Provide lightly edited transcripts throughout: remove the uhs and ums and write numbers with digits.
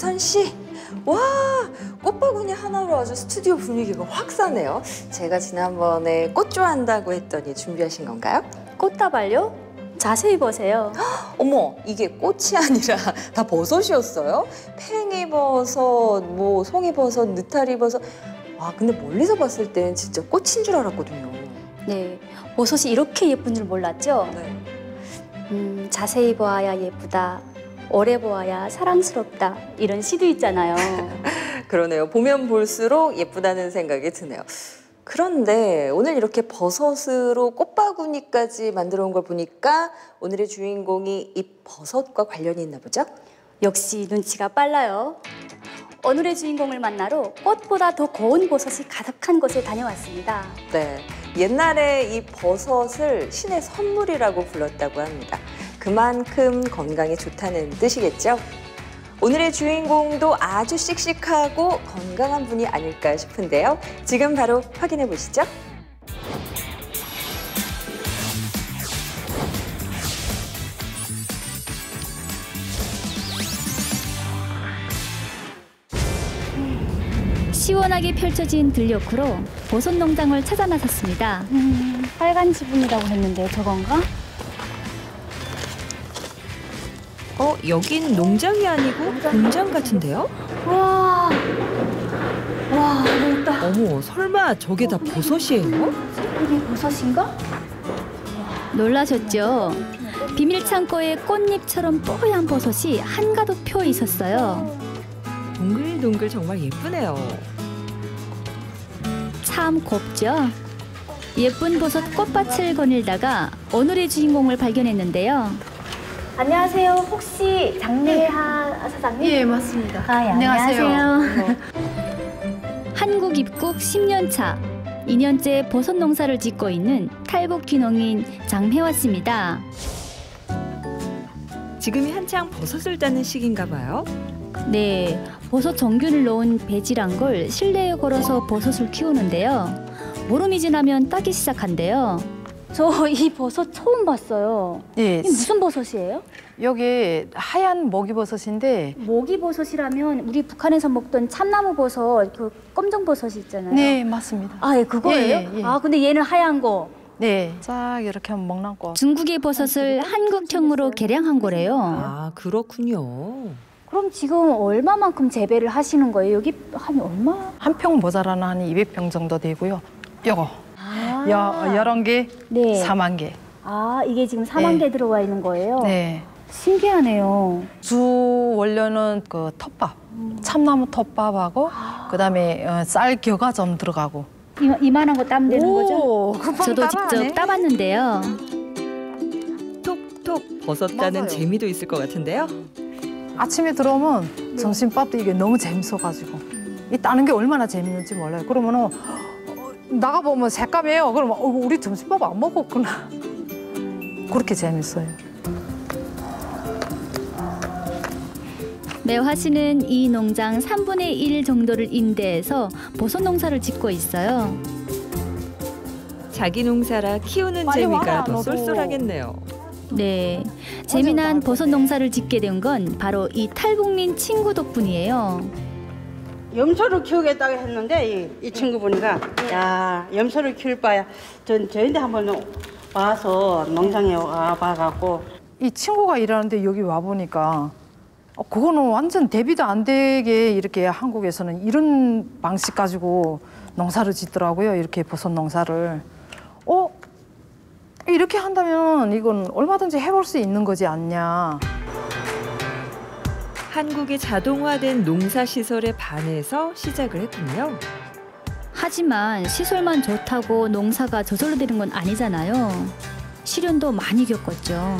유선 씨, 와, 꽃바구니 하나로 아주 스튜디오 분위기가 확 사네요. 제가 지난번에 꽃 좋아한다고 했더니 준비하신 건가요? 꽃다발요? 자세히 보세요. 어머, 이게 꽃이 아니라 다 버섯이었어요? 팽이버섯, 뭐 송이버섯, 느타리버섯. 아, 근데 멀리서 봤을 땐 진짜 꽃인 줄 알았거든요. 네, 버섯이 이렇게 예쁜 줄 몰랐죠? 네. 자세히 보아야 예쁘다, 오래 보아야 사랑스럽다, 이런 시도 있잖아요. 그러네요. 보면 볼수록 예쁘다는 생각이 드네요. 그런데 오늘 이렇게 버섯으로 꽃바구니까지 만들어 온 걸 보니까 오늘의 주인공이 이 버섯과 관련이 있나 보죠? 역시 눈치가 빨라요. 오늘의 주인공을 만나러 꽃보다 더 고운 버섯이 가득한 곳에 다녀왔습니다. 네, 옛날에 이 버섯을 신의 선물이라고 불렀다고 합니다. 그만큼 건강에 좋다는 뜻이겠죠? 오늘의 주인공도 아주 씩씩하고 건강한 분이 아닐까 싶은데요. 지금 바로 확인해 보시죠. 시원하게 펼쳐진 들녘으로 버섯 농장을 찾아 나섰습니다. 빨간 지붕이라고 했는데 저건가? 여긴 농장이 아니고 공장 같은데요? 와, 넓다. 어머, 설마 저게 다 버섯이에요? 이게 버섯인가? 놀라셨죠? 비밀 창고에 꽃잎처럼 뽀얀 버섯이 한가득 펴 있었어요. 동글동글 정말 예쁘네요. 참 곱죠? 예쁜 버섯 꽃밭을 거닐다가 오늘의 주인공을 발견했는데요. 안녕하세요. 혹시 장례하 사장님? 예, 맞습니다. 아, 예, 안녕하세요. 한국 입국 10년 차, 2년째 버섯 농사를 짓고 있는 탈북 귀농인 장혜화 씨입니다. 지금이 한창 버섯을 따는 시기인가 봐요. 네, 버섯 정균을 넣은 배지란 걸 실내에 걸어서 버섯을 키우는데요. 보름이 지나면 따기 시작한대요. 저 이 버섯 처음 봤어요. 예, 이게 무슨 버섯이에요? 여기 하얀 먹이버섯인데, 먹이버섯이라면 우리 북한에서 먹던 참나무 버섯, 그 검정 버섯이 있잖아요. 네, 맞습니다. 아, 예, 그거예요? 예, 예. 아, 근데 얘는 하얀 거. 네, 쫙 이렇게 하면 먹랑고. 중국의 버섯을 한국형으로 개량한 거래요. 아, 그렇군요. 그럼 지금 얼마만큼 재배를 하시는 거예요? 여기 한 얼마? 한 평 모자라는 한 200평 정도 되고요. 요거, 아, 11개, 네. 4만 개. 아, 이게 지금 4만 개 들어와 있는 거예요? 네. 신기하네요. 주 원료는 그 텃밥, 참나무 텃밥하고, 그다음에 쌀 겨가 좀 들어가고. 이만한 거 따면 되는 거죠? 금방 저도 따라하네. 직접 따봤는데요. 톡톡 버섯 따는 맞아요. 재미도 있을 것 같은데요. 아침에 들어오면 점심밥도 이게 너무 재밌어가지고 이 따는 게 얼마나 재밌는지 몰라요. 그러면은 나가보면 새까매요. 그러면 우리 점심밥 안 먹었구나. 그렇게 재밌어요. 매화 씨는 이 농장 3분의 1 정도를 임대해서 버섯 농사를 짓고 있어요. 자기 농사라 키우는 빨리 재미가 와라, 더 너도. 쏠쏠하겠네요. 네, 재미난 버섯 농사를 짓게 된 건 바로 이 탈북민 친구 덕분이에요. 염소를 키우겠다고 했는데 이 친구분이가 야 염소를 키울 바야 저희한테 한번 와서 농장에 와봐갖고 이 친구가 일하는데 여기 와 보니까 그거는 완전 대비도 안 되게 이렇게 한국에서는 이런 방식 가지고 농사를 짓더라고요. 이렇게 버섯 농사를. 이렇게 한다면 이건 얼마든지 해볼 수 있는 거지 않냐. 한국의 자동화된 농사시설에 반해서 시작을 했군요. 하지만 시설만 좋다고 농사가 저절로 되는 건 아니잖아요. 시련도 많이 겪었죠.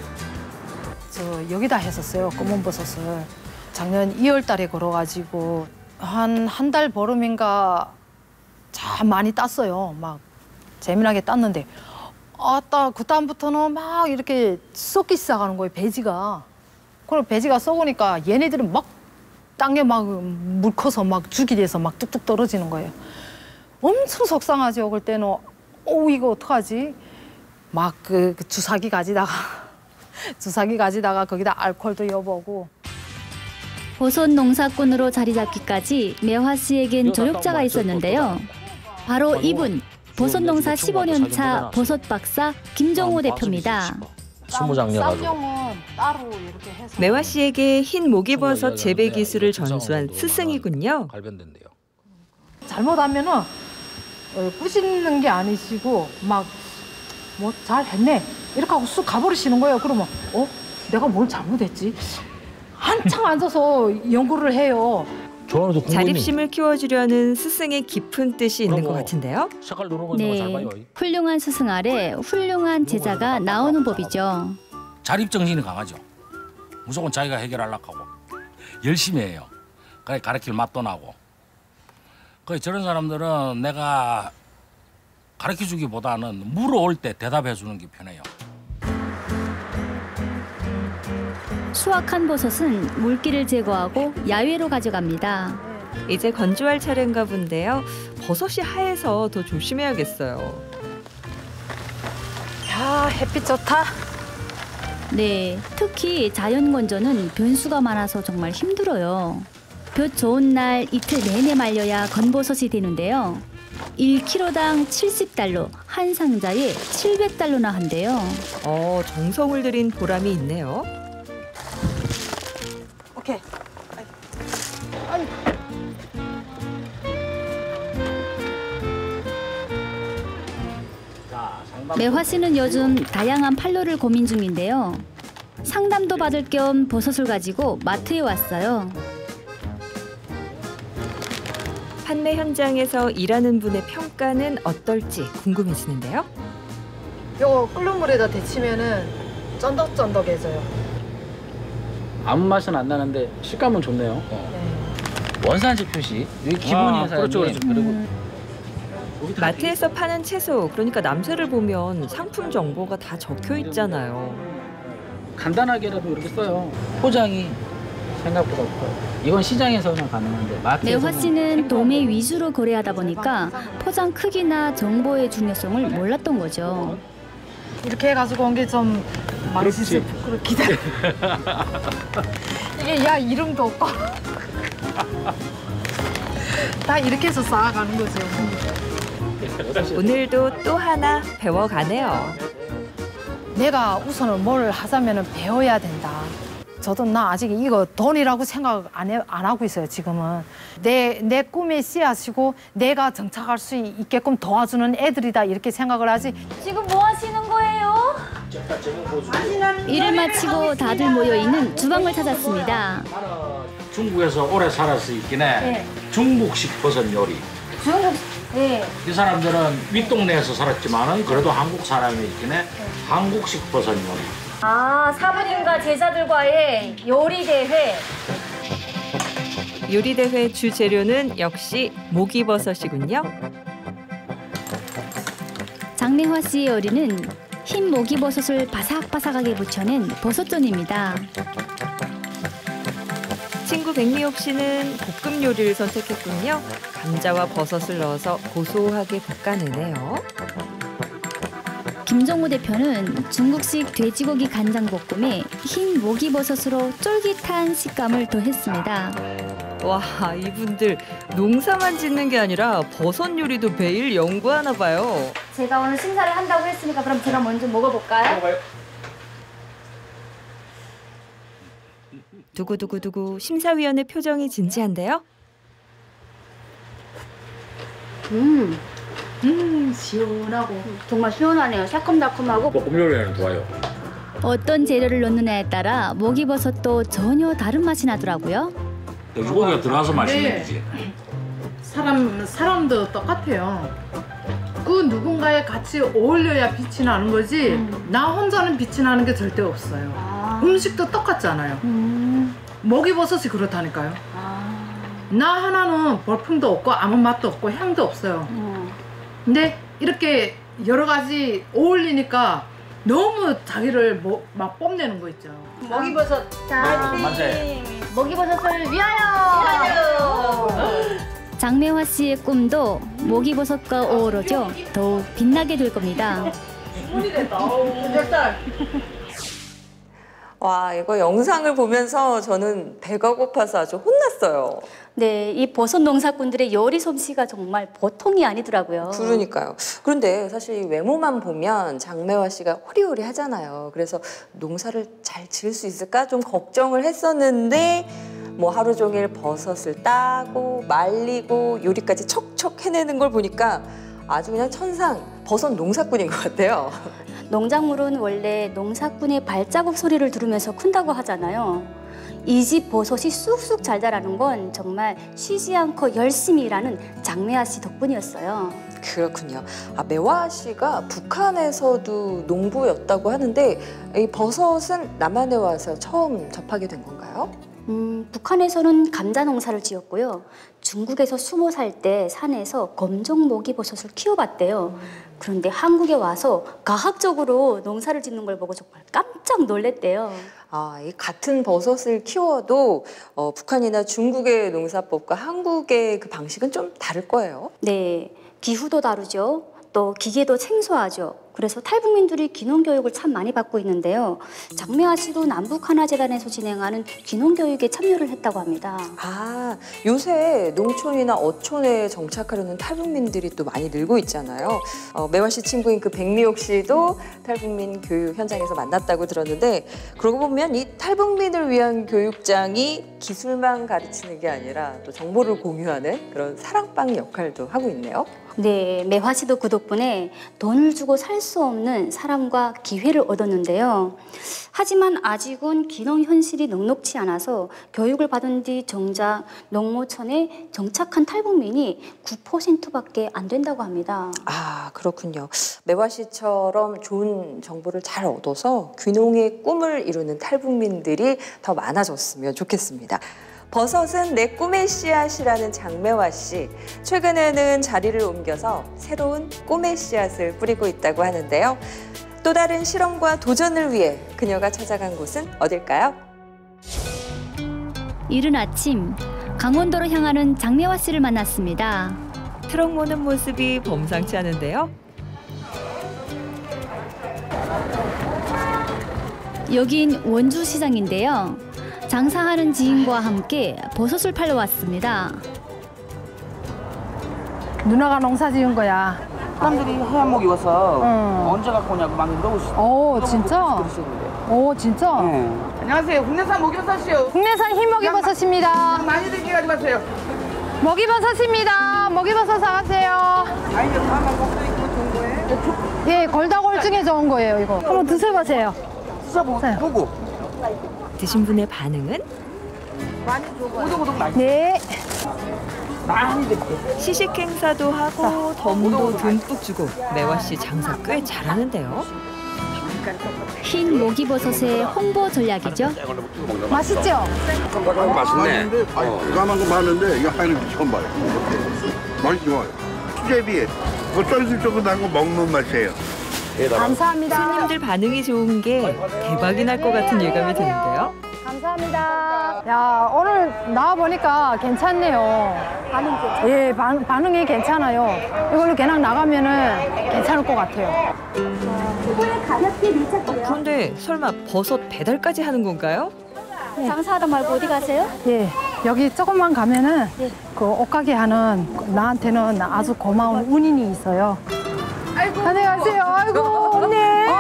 저 여기다 했었어요. 검은 버섯을. 작년 2월 달에 걸어가지고 한 달 보름인가 참 많이 땄어요. 막 재미나게 땄는데 그다음부터는 막 이렇게 썩기 시작하는 거예요. 배지가. 그럼 배지가 썩으니까 얘네들은 막 땅에 막 물 커서 막 죽이 돼서 막 뚝뚝 떨어지는 거예요. 엄청 속상하죠. 그럴 때는 이거 어떡하지? 막 그 주사기 가지다가 거기다 알코올도 여보고. 버섯 농사꾼으로 자리 잡기까지 매화 씨에겐 조력자가 있었는데요. 바로 이분, 버섯 농사 15년 차 버섯 박사 김정호 대표입니다. 20장 여가지고. 쌍용은 따로 이렇게 해서. 매화 씨에게 흰 모기버섯 재배 기술을 전수한 스승이군요. 갈변된대요. 잘못하면은 꾸짖는 게 아니시고 막 뭐 잘했네 이렇게 하고 쑥 가버리시는 거예요. 그러면 내가 뭘 잘못했지? 한창 앉아서 연구를 해요. 좋아하면서 자립심을 키워주려는 스승의 깊은 뜻이 있는 것 같은데요. 색깔 누르는 거 잘 네, 봐요. 훌륭한 스승 아래 훌륭한 제자가 나오는 법이죠. 자립 정신이 강하죠. 무조건 자기가 해결하려고 하고 열심히 해요. 그래 가르칠 맛도 나고. 저런 사람들은 내가 가르쳐주기보다는 물어올 때 대답해주는 게 편해요. 수확한 버섯은 물기를 제거하고 야외로 가져갑니다. 이제 건조할 차례인가 본데요. 버섯이 하얘서 더 조심해야겠어요. 야 햇빛 좋다. 네, 특히 자연 건조는 변수가 많아서 정말 힘들어요. 볕 좋은 날 이틀 내내 말려야 건버섯이 되는데요. 1kg당 70달러, 한 상자에 700달러나 한대요. 정성을 들인 보람이 있네요. 오케이. 매화 씨는 요즘 다양한 판로를 고민 중인데요. 상담도 받을 겸 버섯을 가지고 마트에 왔어요. 판매 현장에서 일하는 분의 평가는 어떨지 궁금해지는데요. 요거 끓는 물에다 데치면은 쫀득쫀득해져요. 아무 맛은 안 나는데 식감은 좋네요. 원산지 표시 여기 기본이에요. 그렇죠, 그렇죠. 그리고 마트에서 파는 채소, 그러니까 남새를 보면 상품 정보가 다 적혀 있잖아요. 간단하게라도 이렇게 써요. 포장이 생각보다 없어요. 이건 시장에서는 가능한데 마트에서는 매화 씨는 도매 위주로 거래하다 보니까 포장 크기나 정보의 중요성을 몰랐던 거죠. 이렇게 해가지고 온 게 좀 맛있을 부끄러 기다려. 이게 야 이름도 없고 다 이렇게 해서 쌓아가는 거죠. 오늘도 또 하나 배워가네요. 내가 우선은 뭘 하자면은 배워야 된다. 저도 나 아직 이거 돈이라고 생각 안 하고 있어요, 지금은. 내 꿈의 씨앗이고 내가 정착할 수 있게끔 도와주는 애들이다 이렇게 생각을 하지. 지금 뭐 하시는 거예요? 일을 마치고 다들 모여있는 주방을 찾았습니다. 중국에서 오래 살아서 있긴 해. 중국식 버섯 요리. 네. 이 사람들은 윗동네에서 살았지만은 그래도 한국 사람이 있긴 해. 한국식 버섯 요리. 아, 사부님과 제자들과의 요리 대회. 요리대회 주재료는 역시 모기버섯이군요. 장매화 씨의 요리는 흰 모기버섯을 바삭바삭하게 부쳐낸 버섯전입니다. 친구 백미옥 씨는 볶음 요리를 선택했군요. 감자와 버섯을 넣어서 고소하게 볶아내네요. 김정호 대표는 중국식 돼지고기 간장볶음에 흰 모기버섯으로 쫄깃한 식감을 더했습니다. 와, 이분들 농사만 짓는 게 아니라 버섯 요리도 매일 연구하나 봐요. 제가 오늘 심사를 한다고 했으니까 그럼 제가 먼저 먹어볼까요? 두구두구두구 심사위원의 표정이 진지한데요. 시원하고 정말 시원하네요. 새콤달콤하고. 볶음 요리는 좋아요. 어떤 재료를 넣느냐에 따라 모기버섯도 전혀 다른 맛이 나더라고요. 돼지고기가 들어가서 맛있는 거지. 사람도 똑같아요. 그 누군가에 같이 어울려야 빛이 나는 거지. 나 혼자는 빛이 나는 게 절대 없어요. 음식도 똑같잖아요. 모기버섯이 그렇다니까요. 나 하나는 볼품도 없고 아무 맛도 없고 향도 없어요. 근데 이렇게 여러 가지 어울리니까 너무 자기를 막 뽐내는 거 있죠. 먹이버섯. 자, 만세. 모기버섯을 위하여! 장매화 씨의 꿈도 모기버섯과 어우러져 더욱 빛나게 될 겁니다. 와, 이거 영상을 보면서 저는 배가 고파서 아주 혼났어요. 네, 이 버섯 농사꾼들의 요리 솜씨가 정말 보통이 아니더라고요. 그러니까요. 그런데 사실 이 외모만 보면 장매화 씨가 호리호리하잖아요. 그래서 농사를 잘 지을 수 있을까 좀 걱정을 했었는데 뭐 하루 종일 버섯을 따고 말리고 요리까지 척척 해내는 걸 보니까 아주 그냥 천상 버섯 농사꾼인 것 같아요. 농작물은 원래 농사꾼의 발자국 소리를 들으면서 큰다고 하잖아요. 이 집 버섯이 쑥쑥 잘 자라는 건 정말 쉬지 않고 열심히 일하는 장매화 씨 덕분이었어요. 그렇군요. 매화 씨가 북한에서도 농부였다고 하는데 이 버섯은 남한에 와서 처음 접하게 된 건가요? 북한에서는 감자 농사를 지었고요. 중국에서 20살 때 산에서 검정 모기버섯을 키워봤대요. 그런데 한국에 와서 가학적으로 농사를 짓는 걸 보고 정말 깜짝 놀랐대요. 이 같은 버섯을 키워도 북한이나 중국의 농사법과 한국의 그 방식은 좀 다를 거예요. 네, 기후도 다르죠. 또 기계도 생소하죠. 그래서 탈북민들이 귀농교육을 참 많이 받고 있는데요. 장매화 씨도 남북하나재단에서 진행하는 귀농교육에 참여를 했다고 합니다. 요새 농촌이나 어촌에 정착하려는 탈북민들이 또 많이 늘고 있잖아요. 매화 씨 친구인 그 백미옥 씨도 탈북민 교육 현장에서 만났다고 들었는데 그러고 보면 이 탈북민을 위한 교육장이 기술만 가르치는 게 아니라 또 정보를 공유하는 그런 사랑방 역할도 하고 있네요. 네, 매화 씨도 그 덕분에 돈을 주고 살 수 없는 사람과 기회를 얻었는데요. 하지만 아직은 귀농 현실이 넉넉치 않아서 교육을 받은 뒤 정작 농모촌에 정착한 탈북민이 9%밖에 안 된다고 합니다. 그렇군요. 매화 씨처럼 좋은 정보를 잘 얻어서 귀농의 꿈을 이루는 탈북민들이 더 많아졌으면 좋겠습니다. 버섯은 내 꿈의 씨앗이라는 장매화 씨. 최근에는 자리를 옮겨서 새로운 꿈의 씨앗을 뿌리고 있다고 하는데요. 또 다른 실험과 도전을 위해 그녀가 찾아간 곳은 어딜까요? 이른 아침 강원도로 향하는 장매화 씨를 만났습니다. 트럭 모는 모습이 범상치 않은데요. 여긴 원주시장인데요. 장사하는 지인과 함께 버섯을 팔러 왔습니다. 누나가 농사 지은 거야. 사람들이 하얀 목 입어서 언제 갖고 오냐고 막 물어보시고. 진짜? 진짜? 네. 안녕하세요. 국내산 목이버섯이요. 국내산 흰 먹이버섯입니다. 많이 들게 가져가세요. 먹이버섯입니다. 먹이버섯 사가세요. 아니, 다만 먹도 있고 좋은 거예요? 예, 골다골증에 좋은 거예요, 이거. 한번 드셔보세요. 드셔보고. 드신 분의 반응은? 많이 줘봐요. 오독오독 맛있어. 네. 많이 드릴게요. 시식 행사도 하고 덤도 듬뿍 주고 매화 씨 장사 꽤 잘하는데요. 흰 모기버섯의 홍보 전략이죠. 맛있죠? 맛있네. 대감한 거 많은데 이거 하얀 거 처음 봐요. 맛이 좋아요. 수제비에 쫄깃쫄깃한 거 먹는 맛이에요. 감사합니다. 손님들 반응이 좋은 게 대박이 날 것 같은 예감이 드는데요. 감사합니다. 야, 오늘 나와보니까 괜찮네요. 반응 괜찮아요? 예, 반응이 괜찮아요. 이걸로 그냥 나가면은 괜찮을 것 같아요. 이번에 가볍게 밀착돼요. 그런데 설마 버섯 배달까지 하는 건가요? 장사하다 말고 어디 가세요? 예, 여기 조금만 가면은 네. 그 옷가게 하는 나한테는 아주 고마운 운인이 있어요. 아이고. 안녕하세요. 아이고, 언니.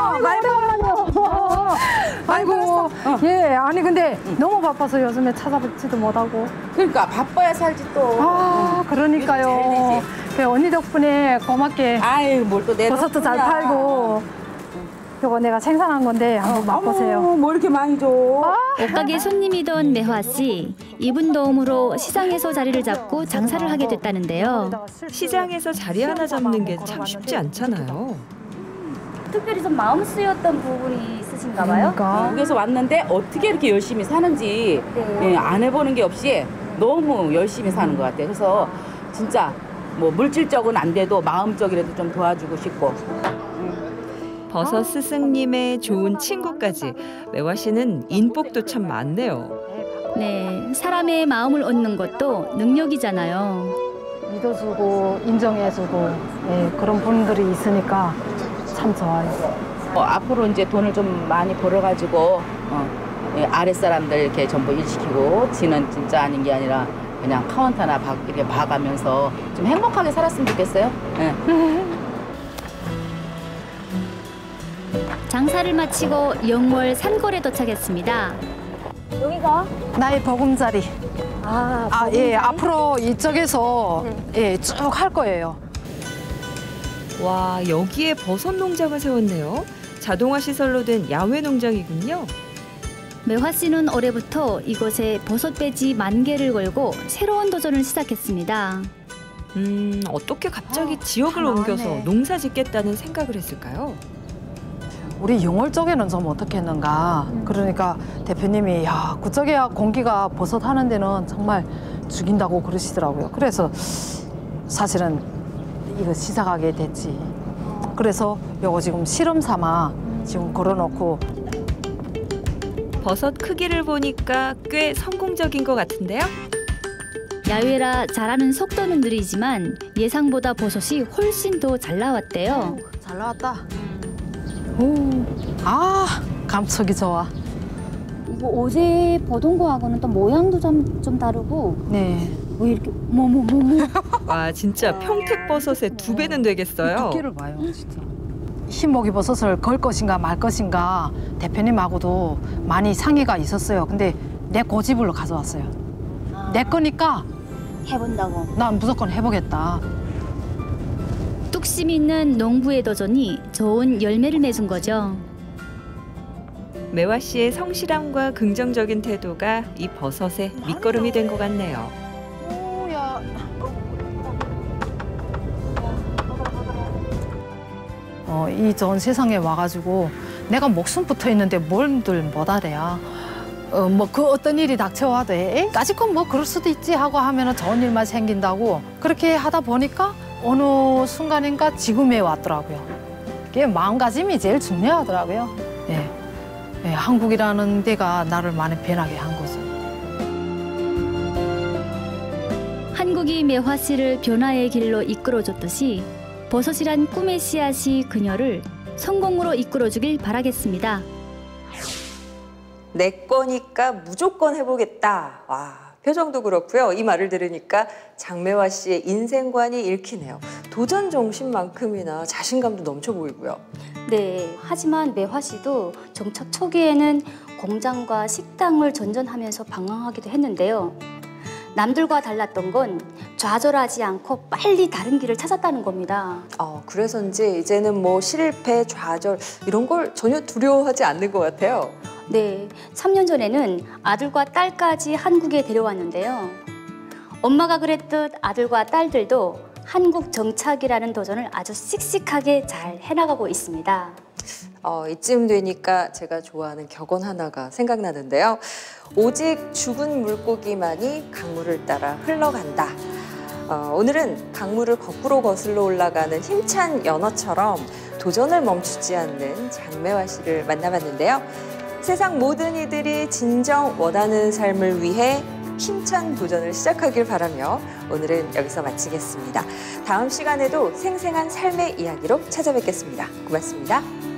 아이고. 예, 아니 근데 너무 바빠서 요즘에 찾아뵙지도 못하고. 그러니까 바빠야 살지 또. 그러니까요. 그 언니 덕분에 고맙게 아유, 뭘 또 내가. 버섯도 잘 팔고. 이거 내가 생산한 건데 한번 맛보세요. 뭐 이렇게 많이 줘. 옷가게 손님이던 매화 씨. 이분 도움으로 시장에서 자리를 잡고 장사를 하게 됐다는데요. 시장에서 자리 하나 잡는 게 참 쉽지 않잖아요. 특별히 좀 마음 쓰였던 부분이 있으신가 봐요? 미국에서 왔는데 어떻게 이렇게 열심히 사는지 네. 안 해보는 게 없이 너무 열심히 사는 것 같아요. 그래서 진짜 뭐 물질적은 안 돼도 마음적이라도 좀 도와주고 싶고. 버섯 스승님의 좋은 친구까지 매화 씨는 인복도 참 많네요. 네, 사람의 마음을 얻는 것도 능력이잖아요. 믿어주고 인정해주고 그런 분들이 있으니까 참 좋아요. 앞으로 이제 돈을 좀 많이 벌어가지고 예, 아랫사람들 이렇게 전부 일시키고 지는 진짜 아닌 게 아니라 그냥 카운터나 이렇게 봐가면서 좀 행복하게 살았으면 좋겠어요. 예. 장사를 마치고 영월 산골에 도착했습니다. 여기가 나의 보금자리. 예, 앞으로 이쪽에서 예, 쭉 할 거예요. 와, 여기에 버섯 농장을 세웠네요. 자동화 시설로 된 야외 농장이군요. 매화 씨는 올해부터 이곳에 버섯 배지 10,000개를 걸고 새로운 도전을 시작했습니다. 어떻게 갑자기 지역을 다 옮겨서 나왔네. 농사 짓겠다는 생각을 했을까요? 우리 영월 쪽에는 좀 어떻게 했는가. 그러니까 대표님이 야, 그쪽에야 공기가 버섯 하는 데는 정말 죽인다고 그러시더라고요. 그래서 사실은 이거 시작하게 됐지. 그래서 요거 지금 실험 삼아 지금 걸어놓고. 버섯 크기를 보니까 꽤 성공적인 것 같은데요? 야외라 자라는 속도는 느리지만 예상보다 버섯이 훨씬 더 잘 나왔대요. 잘 나왔다. 감촉이 좋아. 이거 어제 보던 거하고는 또 모양도 좀 다르고 네. 왜 이렇게 와, 진짜 평택버섯의 2배는 되겠어요. 두께를 봐요, 진짜. 흰목이 버섯을 걸 것인가 말 것인가 대표님하고도 많이 상의가 있었어요. 근데 내 고집으로 가져왔어요. 내 거니까 해본다고. 난 무조건 해보겠다. 뚝심 있는 농부의 도전이 좋은 열매를 맺은 거죠. 매화 씨의 성실함과 긍정적인 태도가 이 버섯의 밑거름이 된 것 같네요. 오야. 이 전 세상에 와가지고 내가 목숨 붙어 있는데 뭘들 못하래야. 뭐 그 어떤 일이 닥쳐와도 까짓건 뭐 그럴 수도 있지 하고 하면은 좋은 일만 생긴다고 그렇게 하다 보니까 어느 순간인가 지금에 왔더라고요. 그게 마음가짐이 제일 중요하더라고요. 예. 예, 한국이라는 데가 나를 많이 변하게 한 거죠. 한국이 매화 씨를 변화의 길로 이끌어줬듯이 버섯이란 꿈의 씨앗이 그녀를 성공으로 이끌어주길 바라겠습니다. 내 거니까 무조건 해보겠다. 와, 표정도 그렇고요. 이 말을 들으니까 장매화 씨의 인생관이 읽히네요. 도전 정신만큼이나 자신감도 넘쳐 보이고요. 네, 하지만 매화 씨도 정착 초기에는 공장과 식당을 전전하면서 방황하기도 했는데요. 남들과 달랐던 건 좌절하지 않고 빨리 다른 길을 찾았다는 겁니다. 그래서인지 이제는 뭐 실패, 좌절 이런 걸 전혀 두려워하지 않는 것 같아요. 네, 3년 전에는 아들과 딸까지 한국에 데려왔는데요. 엄마가 그랬듯 아들과 딸들도 한국 정착이라는 도전을 아주 씩씩하게 잘 해나가고 있습니다. 이쯤 되니까 제가 좋아하는 격언 하나가 생각나는데요. 오직 죽은 물고기만이 강물을 따라 흘러간다. 오늘은 강물을 거꾸로 거슬러 올라가는 힘찬 연어처럼 도전을 멈추지 않는 장매화 씨를 만나봤는데요. 세상 모든 이들이 진정 원하는 삶을 위해 힘찬 도전을 시작하길 바라며 오늘은 여기서 마치겠습니다. 다음 시간에도 생생한 삶의 이야기로 찾아뵙겠습니다. 고맙습니다.